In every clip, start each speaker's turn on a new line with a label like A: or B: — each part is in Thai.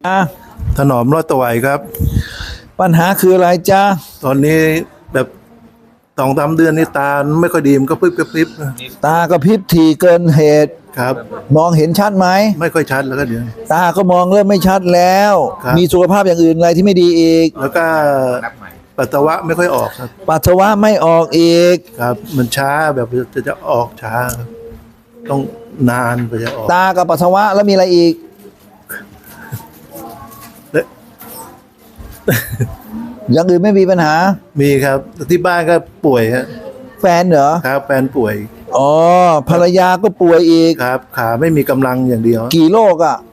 A: ถนอมรอดตะไหวครับ
B: ปัญหาคืออะไรจ๊ะ
A: ตอนนี้แบบ2-3 เดือนนี่ตาไม่ค่อยดีมันก็พริบ
B: ตากระพริบถี่เกินเหตุ
A: ครับ
B: มองเห็นชัดไหม
A: ไม่ค่อยชัดแล้วก็เดี๋ยว
B: ตาก็มองเริ่มไม่ชัดแล้วมีสุขภาพอย่างอื่นอะไรที่ไม่ดีอีก
A: แล้วก็ปัสสาวะไม่ค่อยออกครับ
B: ปัสสาวะไม่ออกอีก
A: ครับมันช้าแบบจะออกช้าต้องนานกว่าจะออก
B: ตากับปัสสาวะแล้วมีอะไรอีกอย่างอื่นไม่มีปัญหา
A: มีครับที่บ้านก็ป่วยฮะ
B: แฟนเหรอ
A: ครับแฟนป่วย
B: อ๋อภรรยาก็ป่วยอีก
A: ครับขาไม่มีกำลังอย่างเดียว
B: กี่โรคอ่ะ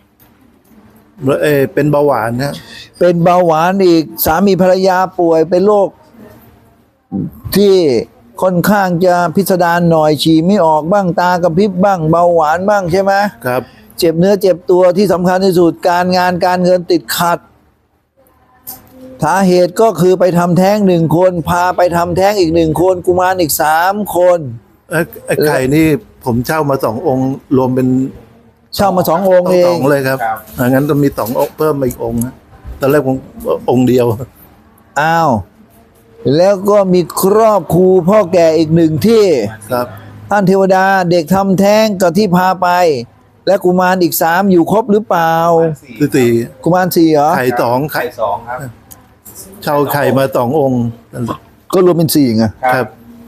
A: เป็นเบาหวานนะ
B: เป็นเบาหวานอีกสามีภรรยาป่วยเป็นโรคที่ค่อนข้างจะพิสดารหน่อยฉี่ไม่ออกบ้างตากระพริบบ้างเบาหวานบ้างใช่ไหม
A: ครับ
B: เจ็บเนื้อเจ็บตัวที่สำคัญที่สุดการงานการเงินติดขัดสาเหตุก็คือไปทำแท้ง1 คนพาไปทำแท้งอีก1 คนกุมารอีก3 คน
A: ไอ้ไข่นี่ผมเช่ามา2 องค์รวมเป็น
B: เช่ามา2 องค์เอง
A: 2เลยครับงั้นต้องมี2 องค์เพิ่มมาอีกองค์นะตอนแรกผมองค์เดียว
B: อ้าวแล้วก็มีครอบครูพ่อแก่อีก1 ที่
A: ครับ
B: ท่านเทวดาเด็กทำแท้งกับที่พาไปและกุมารอีก3อยู่ครบหรือเปล่า
A: 4
B: กุมาร4เหรอ
A: ไข่2ครับเช่าไข่มา2 องค์
B: ก็รวมเป็น4ไง
A: ครับ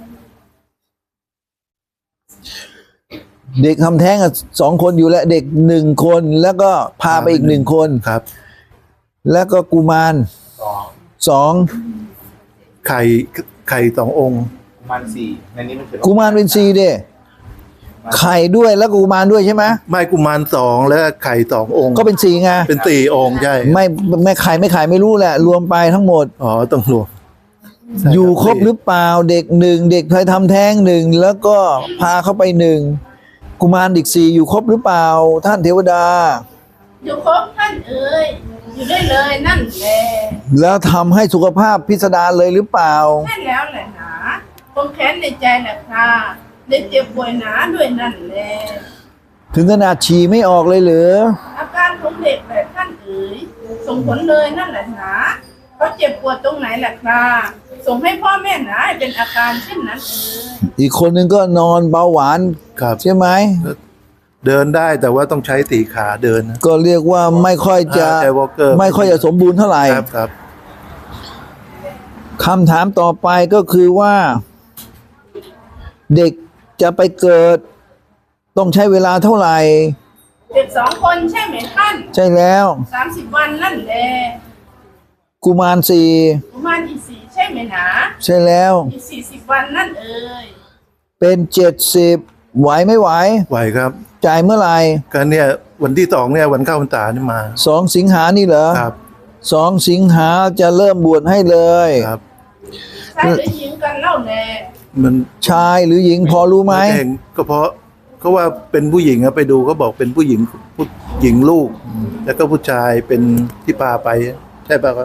B: เด็กทำแท้ง2 คนอยู่และเด็ก1 คนแล้วก็พาไปอีก1 คน
A: ครับ
B: แล้วก็กุมาร2
A: ไข่2 องค์
C: กุมาร4ในนี้มัน
B: กุมารเป็น4เด้ไข่ด้วยแล้วกุมารด้วยใช่ไหม
A: ไม่กุมาร2แล้วไข่2 องค์
B: ก็เป็น4ไง
A: เป็น4 องค์ใช่
B: ไม่ไข่ไม่รู้แหละรวมไปทั้งหมด
A: อ๋อต้องรวม
B: อยู่ครบหรือเปล่าเด็ก1เด็กเคยทำแท้ง1แล้วก็พาเข้าไป1กุมารอีก4อยู่ครบหรือเปล่าท่านเทวดา
D: อยู่ครบท่านเอ๋ยอยู่ได้เลยนั่นแหละ
B: แล้วทำให้สุขภาพพิสดารเลยหรือเปล่า
D: ใช่แล้วแหละหนาคงแค้นในใจแหละค่ะได้เจ็บป่วยหนาด้วยนั่นแหละ
B: ถึงขนาดฉี่ไม่ออกเลยเหรอ
D: อาการของเด็กแหละท่านเอ๋ยส่งผลเลยนั่นแหละหนาเขาเจ็บปวดตรงไหนแหละค่ะส่งให้พ่อแม่หนาเป็นอาการเช่นนั้นเอ๋ย
B: อีกคนนึงก็นอนเบาหวานใช่ไหม
A: เดินได้แต่ว่าต้องใช้ตีขาเดิน
B: ก็เรียกว่าไม่ค่อยจะสมบูรณ์เท่าไหร่
A: ครับ
B: คำถามต่อไปก็คือว่าเด็กจะไปเกิดต้องใช้เวลาเท่าไหร่
D: เด็ก2 คนใช่ไหมท่าน
B: ใช่แล้ว
D: 30 วันนั่นแหละ
B: กุมาร4
D: กุมารอีก4ใช่ไหมหนา
B: ใช่แล้ว
D: อีก40 วันนั่นเอ๋ย
B: เป็น70ไหวไม่ไหว
A: ไหวครับ
B: จ่ายเมื่อไหร่
A: ก็เนี่ยวันที่2เนี่ยวันเข้าพรรษานี่มา
B: 2 สิงหานี่เหรอ
A: ครับ
B: 2 สิงหาจะเริ่มบวชให้เลย
A: ครับ
D: ชายหรือหญิงกันเล่าแน่
A: มัน
B: ชายหรือหญิงพอรู้ไหม
A: ก็เพราะเขาว่าเป็นผู้หญิงไปดูเขาบอกเป็นผู้หญิงลูกแล้วก็ผู้ชายเป็นที่พาไปใช่ป่ะครับ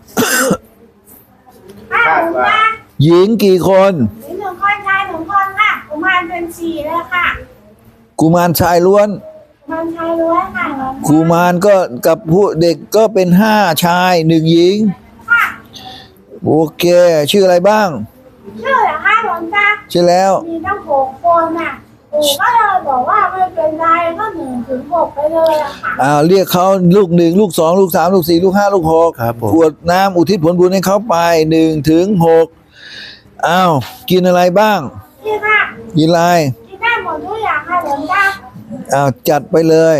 B: หญิงกี่คน
D: หญิง1 คนชาย1 คนค่ะกุมารเป็น4เลยค่ะ
B: กุมารชายล้วน
D: กุมารชายล้วนค่ะ
B: กุมารก็กับผู้เด็กก็เป็น5 ชาย1 หญิง
D: ค่ะ
B: โอเคชื่ออะไรบ้าง
D: ชื่อเหรอคะหลวงตา
B: ชื่อแล้ว
D: มีตั้ง6 คนน่ะปู่ก็เลยบอกว่าไม่เป็นไรก็1 ถึง 6ไปเลยอะค่ะ
B: เรียกเขาลูก1ลูก2ลูก3ลูก4ลูก5ลูก6
A: ครับ
B: ขวดน้ำอุทิศผลบุญให้เขาไป1 ถึง 6กินอะไรบ้างกินอะไร
D: กินได้หมดทุกอย่างค่ะหลวงตา
B: จัดไปเลย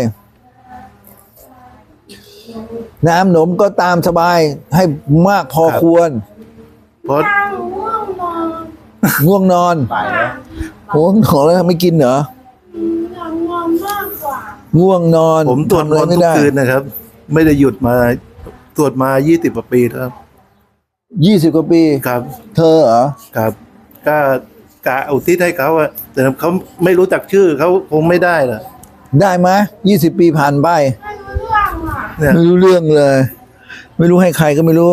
B: น้ำหนมก็ตามสบายให้มากพอควร
A: เพราะ
B: ง่วงนอนง่วงนอนแล้วไม่กินเหรอ
D: ง่วงมากกว่า
B: ง่วงนอน
A: ผมตรวจมนต์ทุกคืนนะครับไม่ได้หยุดมาตรวจมา20 กว่าปีแล้ว
B: 20 กว่าปี
A: ครับ
B: เธอเหรอ
A: ครับก็กะอุทิศให้เขาแต่เขาไม่รู้จักชื่อเขาคงไม่ได้หรอ
B: ได้ไหม20 ปีผ่านไปไม่รู้เรื่องเลยไม่รู้ให้ใครก็ไม่รู้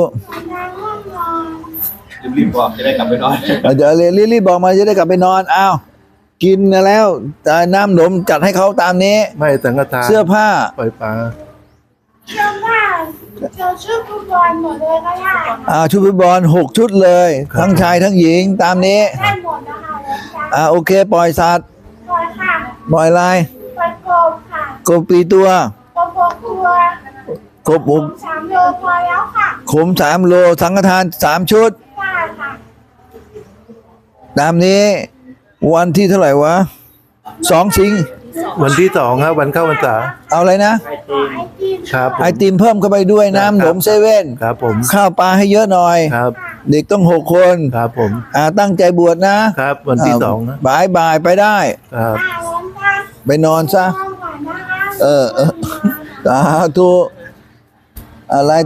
C: รีบบอกจะได้กลับไปนอน
B: เดี๋ยวรีบบอกมาจะได้กลับไปนอนกินแล้วแต่น้ำหนมจัดให้เขาตามนี้
A: ไม่สังฆทาน
B: เสื้อผ้า
A: ปล่อยปลา
D: เสื้อผ
E: เจอชื่อฟุตบอลหมดเลยก็ได้
B: ชุดฟุตบอล6 ชุดเลย ทั้งชายทั้งหญิงตามนี้
E: ได้หมดนะคะหลวงตา
B: โอเค ปล่อยสัตว์
E: ปล่อยค่ะ
B: ปล่อยลาย
E: ปล่อยกบค่ะ
B: กบปีตัว
E: กบตัว
B: กบ
E: ผม3 โลพอแล้วค่ะ
B: ขม3 โลสังฆทาน3 ชุด
E: ได้ค่ะ
B: ตามนี้ วันที่เท่าไหร่วะ2 สิง
A: วันที่2ครับวันเข้าพรรษา
B: เอาอะไรนะ
E: ขอไอติม
A: ครับผม
B: ไอติมเพิ่มเข้าไปด้วยน้ำหนมเซเว่น
A: ครับผม
B: ข้าวปลาให้เยอะหน่อย
A: ครับ
B: เด็กต้อง6 คน
A: ครับผม
B: ตั้งใจบวชนะครับ
A: วันที่2นะ
B: บ่ายไปได้
A: ครับ
E: หลวงตา
B: ไปนอนซะ
E: นอนก่อนนะคะ
B: สาธุอะไร